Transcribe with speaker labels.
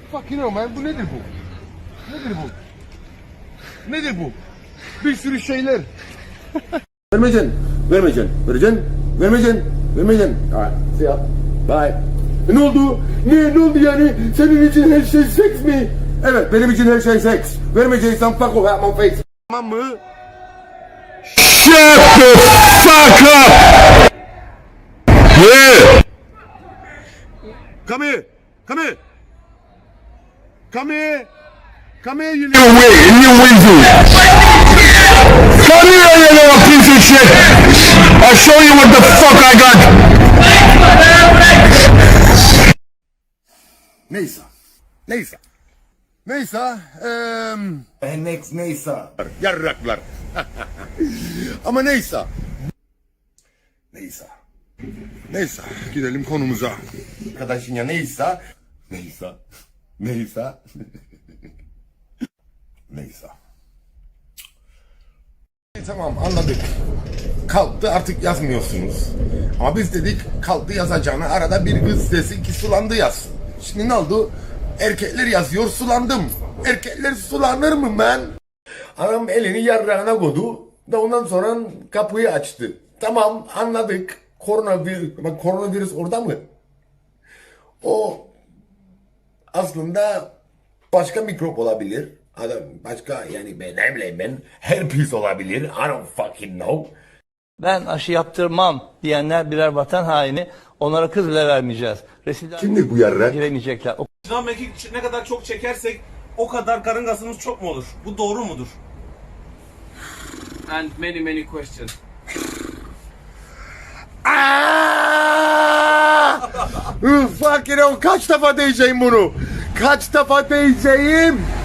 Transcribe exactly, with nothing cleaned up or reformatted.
Speaker 1: Fucking hell man, bu nedir bu? Nedir bu? Nedir bu? Bir sürü şeyler.
Speaker 2: Vermeyeceksin, vermeyeceksin, vereceksin, vermeyeceksin, vermeyeceksin. Alright, see ya. Bye. E ne oldu? Ne, ne oldu yani? Senin için her şey seks mi? Evet, benim için her şey seks. Vermeyeceksen fuck off out my face.
Speaker 1: Tamam mı? Shut the fuck up! Yeah! Come here! Come here! Come here! Come here, you little wig, you weasel! Come here, you little piece of shit! I'll show you what the fuck I got! Neyse. Neyse. Neyse. Eee...
Speaker 2: Next neyse.
Speaker 1: Yarraklar. Ama neyse.
Speaker 2: Neyse.
Speaker 1: Neyse. Gidelim konumuza.
Speaker 2: Arkadaşın ya neyse. Neyse. Neyse. Neyse.
Speaker 1: E, tamam anladık. Kalktı artık yazmıyorsunuz. Ama biz dedik kalktı yazacağına arada bir kız desin ki sulandı yazsın. Şimdi ne oldu? Erkekler yazıyor sulandım. Erkekler sulanır mı ben? Adam elini yarrağına koydu da ondan sonra kapıyı açtı. Tamam anladık. Koronavirüs, bak koronavirüs orada mı? O aslında başka mikrop olabilir. Adam başka yani ben ne bileyim ben herpes olabilir. I don't fucking know.
Speaker 3: Ben aşı yaptırmam diyenler birer vatan haini. Onlara kız bile vermeyeceğiz. Resimler
Speaker 2: Kimdir bu yarrak?
Speaker 3: giremeyecekler. O
Speaker 4: Şınav mekik ne kadar çok çekersek o kadar karın gazımız çok mu olur? Bu doğru mudur?
Speaker 5: And many many questions.
Speaker 1: Fucking hell, kaç defa diyeceğim bunu? Kaç defa diyeceğim?